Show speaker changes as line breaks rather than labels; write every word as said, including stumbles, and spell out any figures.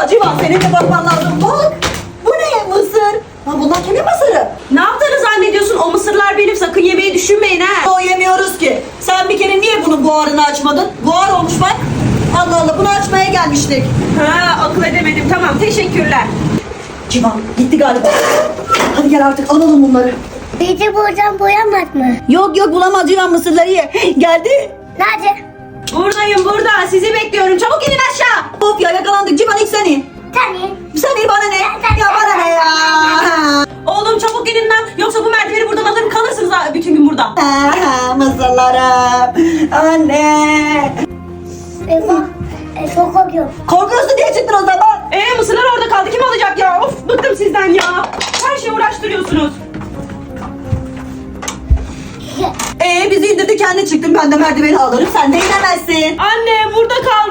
Civan senin de bakman lazım. Bak bu ne mısır? Ha, bunlar kimin mısırı?
Ne yaptığını zannediyorsun? O mısırlar benim. Sakın yemeyi düşünmeyin ha.
O yemiyoruz ki. Sen bir kere niye bunun buharını açmadın? Buhar olmuş bak. Allah Allah bunu açmaya gelmiştik.
Ha, akıl edemedim. Tamam, teşekkürler.
Civan gitti galiba. Hadi gel artık alalım bunları.
Bizi buradan boyamaz mı?
Yok yok bulamaz Civan mısırları ye. Geldi.
Nerede?
Buradayım burada. Sizi bekliyorum. Çabuk inin aşağı.
Hop ya yakalandık Civan ilk sen in.
Tabii.
Sen in bana ne? Ya bana ne ya?
Oğlum çabuk inin lan. Yoksa bu merdiveni buradan alırım kalırsınız ha bütün gün burada.
Ah, mısırlarım. Anne.
Eyvah. E, çok korkuyorum.
Korkuyorsun diye çıktın o zaman.
Ee mısırlar orada kaldı. Kim alacak ya? Of bıktım sizden ya. Her şeyi uğraştırıyorsunuz.
Ee bizi indirdi kendi çıktın. Ben de merdiveni alırım. Sen de inemezsin.
Anne burada kaldı.